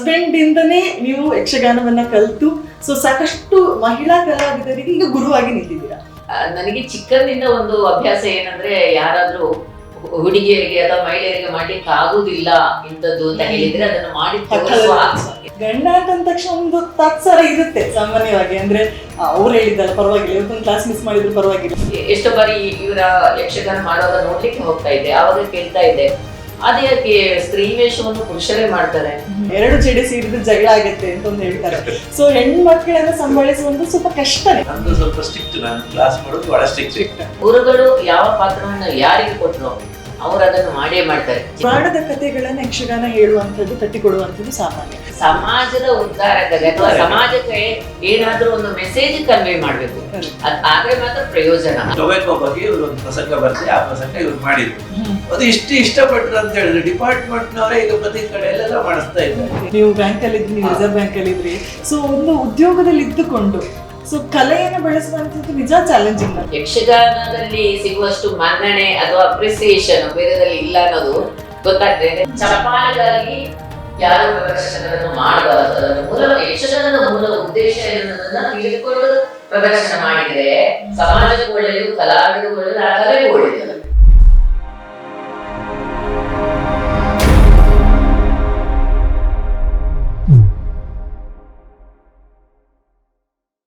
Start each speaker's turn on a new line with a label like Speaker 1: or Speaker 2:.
Speaker 1: Husband ಇಂದನೇ ನೀವು ಯಕ್ಷಗಾನವನ್ನ ಕಲಿತು so ಸಾಕಷ್ಟು ಮಹಿಳಾ ಕಲಾವಿದರಿಗೆ ಈಗ ಗುರುವಾಗಿ ನಿಂತಿದ್ದೀರಾ.
Speaker 2: ನನಗೆ ಚಿಕ್ಕಂದಿನ ಒಂದು ಅಭ್ಯಾಸ ಏನಂದ್ರೆ, ಯಾರಾದ್ರೂ ಹುಡುಗಿಯರಿಗೆ ಅಥವಾ ಮಹಿಳೆಯರಿಗೆ ಮಾಡ್ಲಿಕ್ಕೆ ಆಗುದಿಲ್ಲ ಇಂಥದ್ದು ಅಂತ ಹೇಳಿದ್ರೆ ಅದನ್ನು ಮಾಡಿ ತೋರಿಸುವ
Speaker 1: ಗಂಡ ಅಂತ ತಕ್ಷಣ ಒಂದು ತಾತ್ಸಾರ ಇರುತ್ತೆ ಸಾಮಾನ್ಯವಾಗಿ. ಅಂದ್ರೆ ಅವ್ರು ಹೇಳಿದ್ದಲ್ಲ ಪರವಾಗಿಲ್ಲ, ಇವತ್ತೊಂದು ಕ್ಲಾಸ್ ಮಿಸ್ ಮಾಡಿದ್ರು ಪರವಾಗಿಲ್ಲ.
Speaker 2: ಎಷ್ಟೋ ಬಾರಿ ಇವರ ಯಕ್ಷಗಾನ ಮಾಡುವಾಗ ನೋಡ್ಲಿಕ್ಕೆ ಹೋಗ್ತಾ ಇದ್ದೆ, ಆವಾಗ ಕೇಳ್ತಾ ಇದ್ದೆ ಅದ್ಯಾಕೆ ಸ್ತ್ರೀ ವೇಷವನ್ನು ಪುರುಷರೇ ಮಾಡ್ತಾರೆ,
Speaker 1: ಎರಡು ಜಡೆ ಸೇರಿದ್ರೆ ಜಗಳ ಆಗತ್ತೆ ಅಂತ ಒಂದು ಹೇಳ್ತಾರೆ. ಸೊ ಹೆಣ್ಮಕ್ಳನ್ನ ಸಂಭಾಳಿಸುವಂತ ಸ್ವಲ್ಪ ಕಷ್ಟನೇ.
Speaker 3: ನಂದು ಸ್ವಲ್ಪ ಸ್ಟ್ರಿಕ್ಟ್, ನಾನು ಕ್ಲಾಸ್ ಮಾಡೋದು ಬಹಳ ಸ್ಟ್ರಿಕ್ಟ್.
Speaker 2: ಗುರುಗಳು ಯಾವ ಪಾತ್ರವನ್ನು ಯಾರಿಗೆ ಕೊಟ್ಟರು ಅವರು ಅದನ್ನು ಮಾಡೇ ಮಾಡ್ತಾರೆ.
Speaker 1: ಪುರಾಣದ ಕಥೆಗಳನ್ನ ಯಕ್ಷಗಾನ ಹೇಳುವಂಥದ್ದು, ಕಟ್ಟಿಕೊಡುವಂಥದ್ದು ಸಾಮಾನ್ಯ.
Speaker 2: ಸಮಾಜದ ಉದ್ಧಾರಕ್ಕಾಗಿ ಅಥವಾ ಸಮಾಜಕ್ಕೆ ಏನಾದ್ರೂ ಒಂದು ಮೆಸೇಜ್ ಕನ್ವೆ ಮಾಡ್ಬೇಕು, ಆದ್ರೆ ಮಾತ್ರ ಪ್ರಯೋಜನ.
Speaker 3: ಟೊಬ್ಯಾಕೋ ಬಗ್ಗೆ ಇವರು ಒಂದು ಪ್ರಸಂಗ ಬರ್ತದೆ, ಆ ಪ್ರಸಂಗ ಇವ್ರು ಮಾಡಿದ್ರು. ಅದು ಇಷ್ಟಪಟ್ರು ಅಂತ ಹೇಳಿದ್ರೆ ಡಿಪಾರ್ಟ್ಮೆಂಟ್ನವರೇ ಈಗ ಪ್ರತಿ ಕಡೆ ಎಲ್ಲ ಮಾಡಿಸ್ತಾ ಇದ್ದಾರೆ.
Speaker 1: ನೀವು ಬ್ಯಾಂಕ್ ಅಲ್ಲಿ ಇದ್ರಿ, ನೀವು ರಿಸರ್ವ್ ಬ್ಯಾಂಕ್ ಅಲ್ಲಿ ಇದ್ರಿ, ಸೊ ಒಂದು ಉದ್ಯೋಗದಲ್ಲಿ ಇದ್ದುಕೊಂಡು ಸೊ ಕಲೆಯನ್ನು ಬೆಳೆಸುವಂಥದ್ದು ನಿಜ ಚಾಲೆಂಜಿಂಗ್.
Speaker 2: ಯಕ್ಷಗಾನದಲ್ಲಿ ಸಿಗುವಷ್ಟು ಮನ್ನಣೆ ಅಥವಾ ಅಪ್ರಿಸಿಯೇಷನ್ ಬೇರೆದಲ್ಲಿ ಇಲ್ಲ ಅನ್ನೋದು ಗೊತ್ತಾಗ್ತದೆ. ಚಪಾಲಿಗಾಗಿ ಯಾರು ಪ್ರದರ್ಶನವನ್ನು ಮಾಡಬಾರದು, ಮೂಲ ಯಕ್ಷಗಾನದ ಮೂಲ ಉದ್ದೇಶ ಎನ್ನುವುದನ್ನ ತಿಳಿದುಕೊಂಡು ಪ್ರದರ್ಶನ ಮಾಡಿದ್ರೆ ಸಮಾಜಕ್ಕೆ ಒಳ್ಳೆಯದು, ಕಲಾವಿದರಿಗೆ ಒಳ್ಳೆಯದು, ಆ ಕಲೆಗೂ ಒಳ್ಳೆಯದು.